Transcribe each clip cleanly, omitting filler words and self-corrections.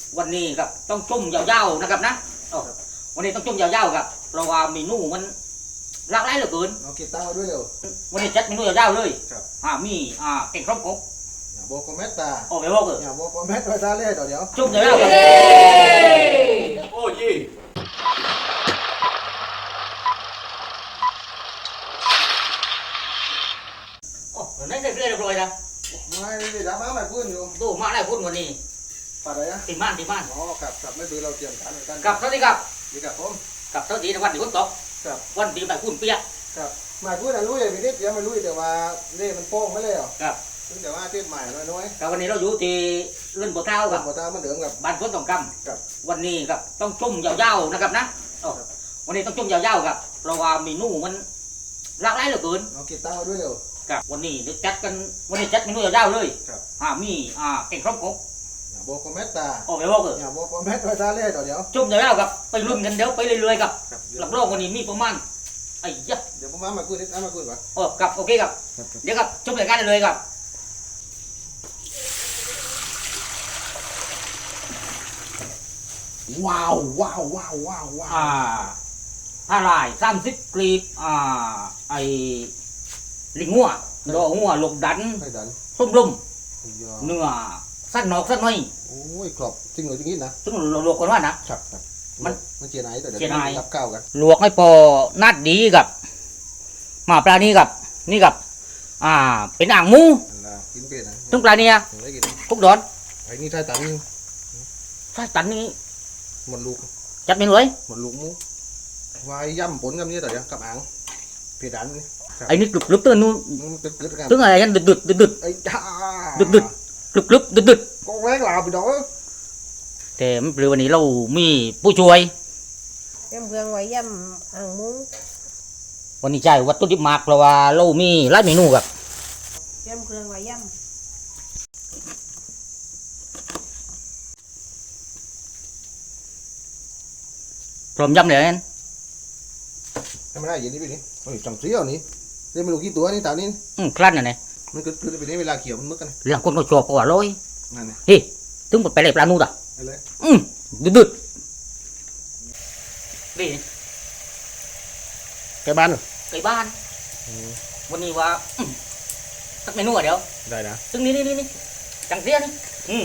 วันนี้ครับต้องจุ่มยาวๆนะครับนะวันนี้ต้องจุ่มยาวๆครับเพราะว่าเมนูมันหลากหลายเหลือเกินเอาเก็บตั้งไว้ด้วยเร็ววันนี้จัดเมนูยาวๆเลยมีแกงครบกบอย่าโบกเม็ดตาโอ้ไม่บอกเลยอย่าโบกเม็ดไว้ซาเล่เดี๋ยวจุ่มยาวๆครับโอ้ยโอ้นั่นได้เรื่อยๆเลยนะไม่ได้ด่ามาไม่พูดอยู่ดูมาได้พูดวันนี้ป่าอะไรนะตีบ้านอ๋อกับไม่ดูเราเตรียมการกันกับเท่าที่กับดีกับผมกับเท่าที่วันที่ฝนตกวันที่แบบฝุ่นเปียกครับไม่พูดนะลุยไม่ได้เตรียมไม่ลุยแต่ว่าเล่มันโป้งไม่เลยหรอครับแต่ว่าเทียบใหม่น้อยกับวันนี้เราอยู่ที่เรื่องบัวเท้ากับบัวเท้ามันเดือดกับบ้านฝนตกกำวันนี้ครับต้องจุ่มยาวๆนะครับนะวันนี้ต้องจุ่มยาวๆครับเพราะว่าเมนูมันหลากหลายเหลือเกินเอาเก็บตั้งไว้ด้วยเร็วครับวันนี้จัดกันวันนี้จัดเมนูยาวๆเลยมีแกงครบกบอย่าโบกเม็ดตาโอ้ไม่บอกเลยอย่าโบกเม็ดไว้ซาเล่เดี๋ยวจุ่มยาวๆครับไปรุ่นกันเดี๋ยวไปเรื่อยๆครับหลับโลกวันนี้มีประมาณไอ้ยักษ์เดี๋ยวผมมาคุยนิดมาคุยก่อนโอ้ครับโอเคครับเดี๋ยวครับจุ่มรายการเลยครับว้าวถ้าลาย30 กรีบไอ้ลิงงัวดอกงัวหลกดันส้มลมเนื้อสั้นนอกสั้นน้อยโอ้ยกรอบจริงหรือจริงนะซึ่งลวกกันว่านะครับมันเจียนไหนแต่เดี๋ยวรับเก้ากันลวกให้พอนัดดีกับมาปลานี้กับนี่กับเป็นอ่างมูกินเป็นนะต้องปลาเนี่ยกุ๊กดอนไอ้นี่ใช่ตันนี่หมดลูกจัดเมนูเลยหมดลูกมูวายย่ำผลกับนี้แต่เดี๋ยวกับอ่างเพดานนี่ไอ้นี่กรึบตื่นนู่นตึ้งอะไรกันดึดไอ้จ้าดึดก็แรงลาไปดอกแต่หรือวันนี้เรามีผู้ช่วยย่ำเครื่องไว้ย่ำอ่างมุ้งวันนี้ใช่วัตถุดิบมากเพราะว่าเรามีหลายเมนูครับย่ำเครื่องไว้ย่ำพร้อมยำเลยนั่นทำไม่ได้อย่างนี้ไปนี่โอ้ยจังเสี้ยวนี่เรียนไม่รู้กี่ตัวนี่ตานี่คลั่นน่ะมันคือไปนี่เวลาเขียวมันมึกกันเรื่องคนก็ชอบกว่าร้อยนั่นไงเฮ้ถึงหมดไปเลยปลาหนูด่ะไปเลยดึดนี่ไก่บ้านเหรอไก่บ้านวันนี้ว่าสักเมนูอ่ะเดี๋ยวได้นะซึ่งนี่จังเสี้ยนี่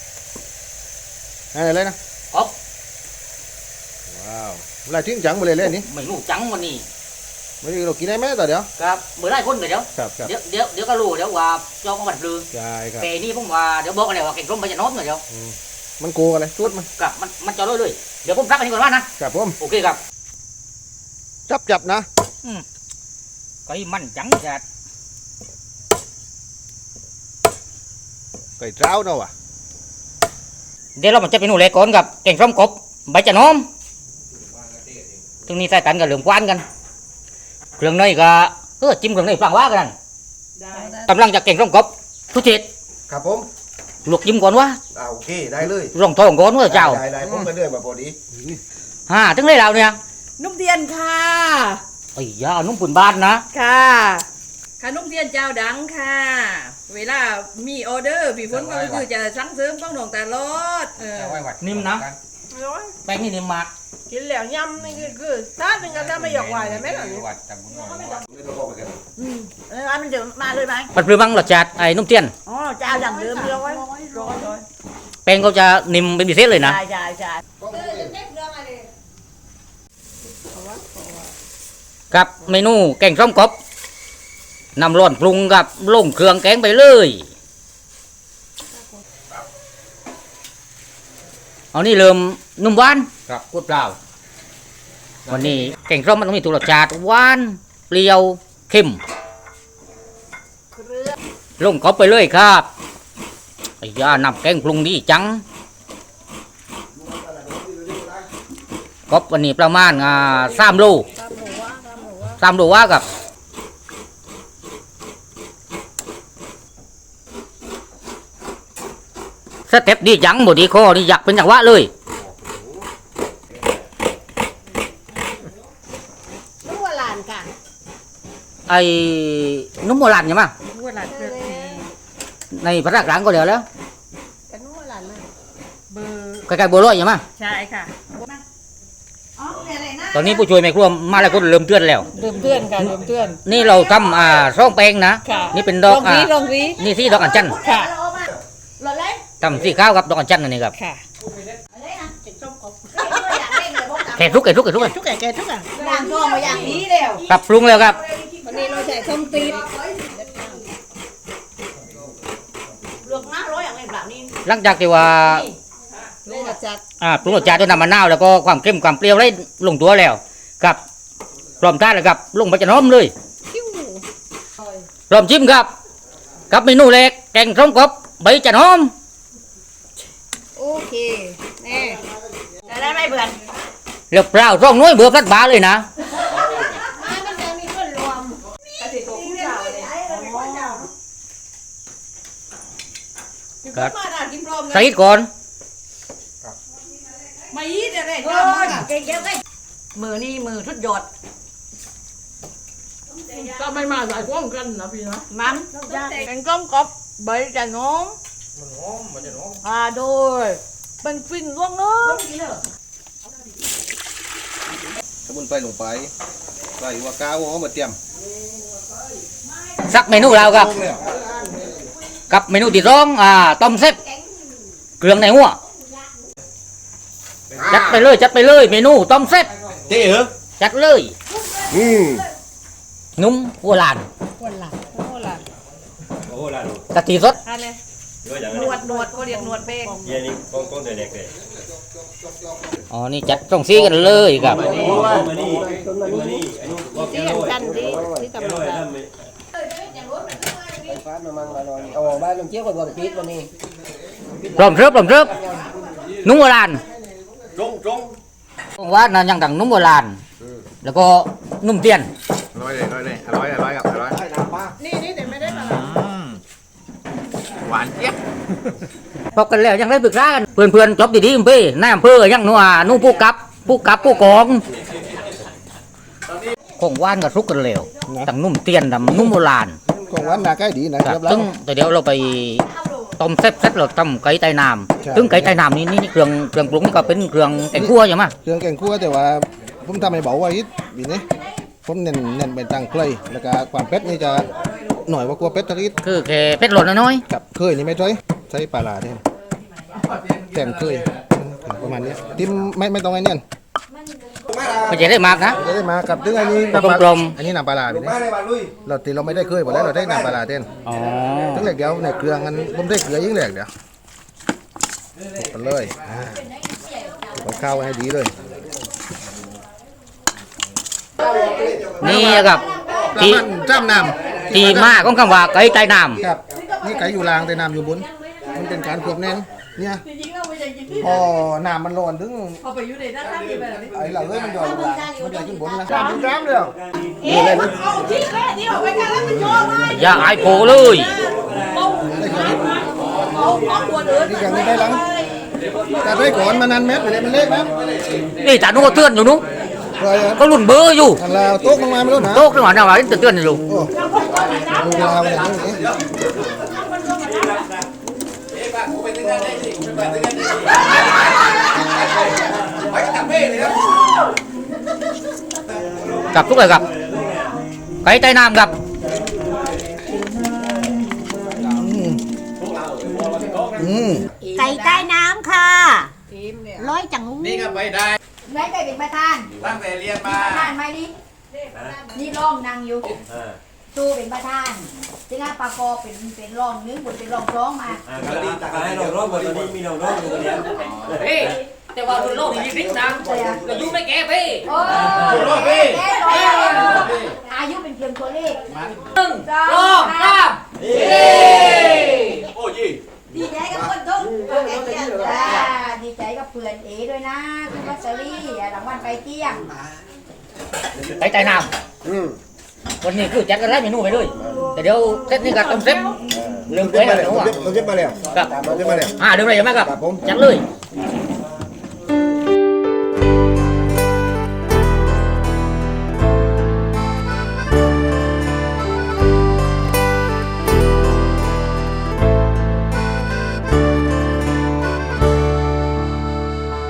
อะไรเลยนะอ๊อบว้าวเวลาทิ้งจังไปเลยนี่ไม่รู้จังวันนี้ไม่รู้เรากินได้ไหมต่อเดี๋ยวครับเมื่อไรคนเดี๋ยวเดี๋ยวก็รู้เดี๋ยวว่าจองมาบัดลือใช่ครับแต่นี่ผมว่าเดี๋ยวบอกอะไรว่าเก่งร่มไปจะน้อมหน่อยเดี๋ยวมันโกอะไรชุดมันกับมันจอดเลยเดี๋ยวผมรับอันนี้ก่อนว่านะครับผมโอเคครับจับนะไก่มันจังจัดไก่เจ้าเนาะว่ะเดี๋ยวเราจะเป็นหนูเล็กก่อนกับเก่งร่มกบใบจะน้อมตรงนี้ใส่กันกับเหลืองกวานกันเครื่องในก็จิ้มเครื่องในฟังว่ากันกำลังจะเก่งร่มกบทุจิตครับผมลวกจิ้มก่อนวะโอเคได้เลยรองทองก่อนว่าเจ้าได้ผมก็เลื่อนมาพอดีถึงได้แล้วเนี่ยนุ่มเทียนค่ะไอ้ยานุ่มปุ่นบ้านนะค่ะขนมเทียนเจ้าดังค่ะเวลามีออเดอร์พี่ฝนก็คือจะสั่งเสริมต้องหนองตลอดนิ่มนะแป้งนี่นิ่มมากกินแล้วยำนี่คือถ้าเป็นกันถ้าไม่หยอกไหวเลยไหมล่ะนี่มันจะมาเลยไหมปัดปลือบังหลอดจัดไอ้นุ่มเทียนอ๋อเจ้าดังเดิมเลยร้อยแป้งเขาจะนิ่มเป็นพิเศษเลยนะใช่กับเมนูแกงส้มกบนำร้อนปรุงกับลงเครื่องแกงไปเลยเอานี่เริ่มนุ่มหวานครับกดเปล่าวันนี้แกงส้มมันต้องมีตัวรสชาติหวานเปรี้ยวเค็มลงกบไปเลยครับไอ้ยานำแกงปรุงดีจังกบวันนี้ประมาณ3 โลว่ากับสเต็ปดีจังหมดดีคอนี่อยากเป็นอย่างว่าเลยนุ่มโบราณค่ะไอ้นุ่มโบราณใช่ไหมนุ่มโบราณในพระราชกลางก็เดี๋ยวแล้วนุ่มโบราณเลยเบอร์ใกล้ๆบัวลอยใช่ไหมใช่ค่ะตอนนี้ผู้ช่วยแม่ครัวมาแล้วก็เริ่มเตือนแล้วเริ่มเตือนค่ะเริ่มเตือนนี่เราทำร่องแปลงนะค่ะนี่เป็นดอกลองรีนี่ที่ดอกอัญชันค่ะทำสีข้าวกับดอกอัญชันอันนี้ครับค่ะแค่ทุกกันทุกแก่ทุกอ่ะด่างทองมาอย่างนี้แล้วปรับปรุงแล้วครับวันนี้เราใส่ส้มตีนเลือกน้าร้อยอย่างไรแบบนี้หลังจากที่ว่าลูกกระจัดปรุงรสชาติด้วยน้ำมะนาวแล้วก็ความเข้มความเปรี้ยวได้ลงตัวแล้วครับพร้อมทานแล้วครับลงไปจะน้อมเลยพร้อมชิมครับกับเมนูแรกแกงส้มกบใบจะน้อมโอเคแน่จะได้ไม่เบื่อเรียบเปล่าร่องน้อยเบื่อพลัดบาเลยนะ ครับมาด่ากินพร้อมใส่ก่อนไม่ยีดอะไรเออเก่งเยอะเลยมือนี่มือทุดยอดก็ไม่มาใส่ก้มกันนะพี่นะมันเป็นก้มกบใบจะน้องโดยเป็นฟินล่วงเอ้ยสมุนไพรลงไปใส่หัวกาหัวหอมมาเตรียมสักเมนูเราครับกับเมนูที่สองต้มเซ็ตเครื่องในหัวจัดไปเลยเมนูต้มเซ็ตเจ๊เหรอจัดเลย นุ่มหัวลานวันหลังโอ้หลังโอ้ล่ะกะทิสดอะไรดูอย่างหนั้นนวดก็เรียกหนวดเป้งเย็นนี้ก้องเด็กเลยอ๋อนี่จัดตรงซีกันเลยครับมานี่มานี่ไอ้นู่นบอกที่แกเห็นโรยกันดีที่แกกำโรลังยจะทำไป phát mà mang mà rồi ồ ba lần trước còn còn pít luôn đi พร้อมเสิร์ฟนุ่มหัวลานตรงตรงว่านั่นยังต่างนุ่มโบราณแล้วก็นุ่มเตียนอร่อยเลยอร่อยครับอร่อยนี่แต่ไม่ได้มาหวานเจี๊ยบพบกันแล้วยังได้ปรึกษากันเพื่อนๆจบดีๆพี่นายอำเภอยังนัวนุ่มผู้กับผู้กองคงว่านกับทุกกันแล้วต่างนุ่มเตียนต่างนุ่มโบราณของหวานนาใกล้ดีนะครับซึ่งแต่เดี๋ยวเราไปต้มเซ็ตเราต้มไก่ไตน้ำซึ่งไก่ไตน้ำนี่เครื่องปรุงนี่ก็เป็นเครื่องแกงคั่วใช่ไหมเครื่องแกงคั่วแต่ว่าผมทำให้เบาไว้บีนี้ผมเน้นเป็นตังเคยแล้วก็ความเป็ดนี่จะหน่อยกว่ากลัวเป็ดทะลิดคือแค่เป็ดหล่นน้อยกับเคยนี่ไม่ใช้ปลาลาแทนแกงเคยประมาณนี้ทิมไม่ต้องไอ้เนี่ยๆไม่ใช่ได้มากนะจะได้มากับถึงอันนี้กลมอันนี้น้ำปลาลาบีนี้เราตีเราไม่ได้เคยหมดแล้วเราได้น้ำปลาลาแทนอ๋อถึงเหล็กเดียวในเครื่องกันผมได้เกลือยิ่งเหล็กเดียวกันเลยข้าวให้ดีเลยนี่ครับที่จ้ำน้ที่มาของคำว่าไก่ไตน้ำครับนี่ไก่อยู่ล่างแต่น้ำอยู่บนมันเป็นการควบแน่นเนี่ยพอน้ำมันร้อนถึงพอไปอยู่ในด้านล่างนี่แบบนี้ไอ้เหล่าเอ้ยมันย่อยอยู่ล่างมันย่อยขึ้นบนนะจ้ำเลยเอาที่แรกนี่ออกไปกันแล้วมันโยนเลยำอย่าอายโผเลยเอาตัวเดินนี่อย่างนี้ได้หลังแต่ได้ก่อนมันนันเม็ดไปเลยมันเล็กนะนี่จ่านุ่งก็เตือนอยู่นู้นเลยก็รุ่นเบอร์อยู่ทางลาวโต๊ะลงมาไม่รู้นะโต๊ะขึ้นมาหน้าว่าเตือนอยู่โอ้ดูลาวอย่างนี้กับทุกเลยครับไก่ไตน้ำครับไก่ใต้น้ำค่ะทีมเนี่ยร้อยจังงูนี่ก็ไปได้ไหนไก่เป็นประธานตั้งแต่เรียนมาประธานไหมนี่นี่ร่องนางอยู่ตู้เป็นประธานจึงอ่ะปากอเป็นร่องนึงบนเป็นร่องร้องมาก็ดีตักให้เราร้องวันนี้มีเราร้องอยู่คนเดียวเฮ้แต่ว่ารุ่นโลกนี่ยิ่งดังเราอยู่ไม่แก่พี่โอ้อายุเป็นเพียงตัวเลขหนึ่งสองสามโอ้ยี่ดีใจกับคนทุกดีใจกับเพื่อนเอด้วยนะคุณวัชรีรางวัลไปเที่ยงไก่ไตน้ำวันนี้คือจัดกันไล่เมนูไปเลยแต่เดี๋ยวเซตนี้ก็ต้มเซ็ตเรื่องเกลือกับหนูอ่ะเราเก็บมาแล้วครับเราเก็บมาแล้วเดี๋ยวอะไรยังไงครับครับผมจัดเลย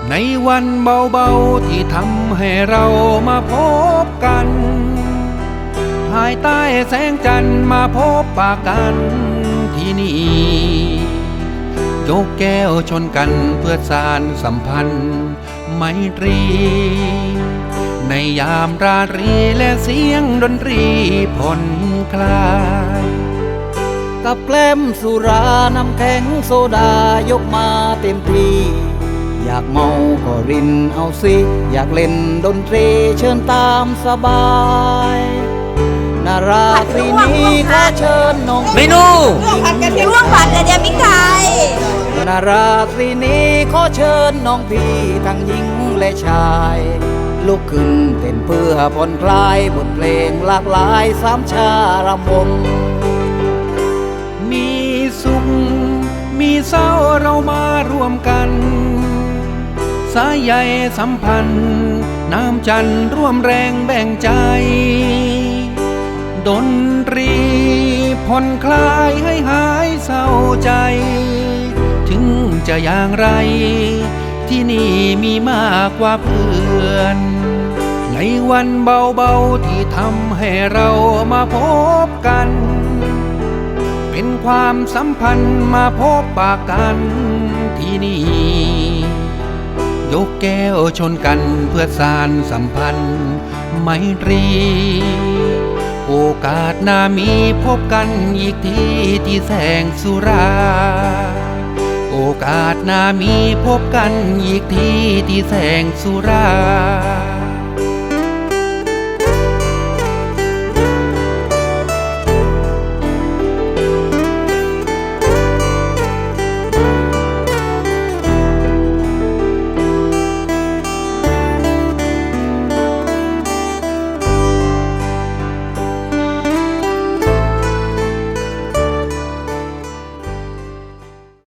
ในวันเบาๆที่ทำให้เรามาพบกันภายใต้แสงจันทร์มาพบปะกันที่นี่ยกแก้วชนกันเพื่อสานสัมพันธ์ไมตรีในยามราตรีและเสียงดนตรีผ่อนคลายกับแกล้มสุราน้ำแข็งโซดายกมาเต็มที่อยากเมาก็รินเอาสิอยากเล่นดนตรีเชิญตามสบายนาราตรีนี้ขอเชิญน้องเมนูร่วงผัดกระเทียมพริกไทยนาราตรีนี้ขอเชิญน้องพี่ทั้งหญิงและชายลุกขึ้นเต้นเพื่อผ่อนคลายบทเพลงหลากหลายสามชารำวงมีสุขมีเศร้าเรามารวมกันสายใยสัมพันธ์น้ำจันทร์ร่วมแรงแบ่งใจดนตรีผ่อนคลายให้หายเศร้าใจถึงจะอย่างไรที่นี่มีมากกว่าเพื่อนในวันเบาๆที่ทำให้เรามาพบกันเป็นความสัมพันธ์มาพบปะกันที่นี่ยกแก้วชนกันเพื่อสานสัมพันธ์ไมตรีโอกาสหน้ามีพบกันอีกทีที่แสงสุราโอกาสหน้ามีพบกันอีกทีที่แสงสุรา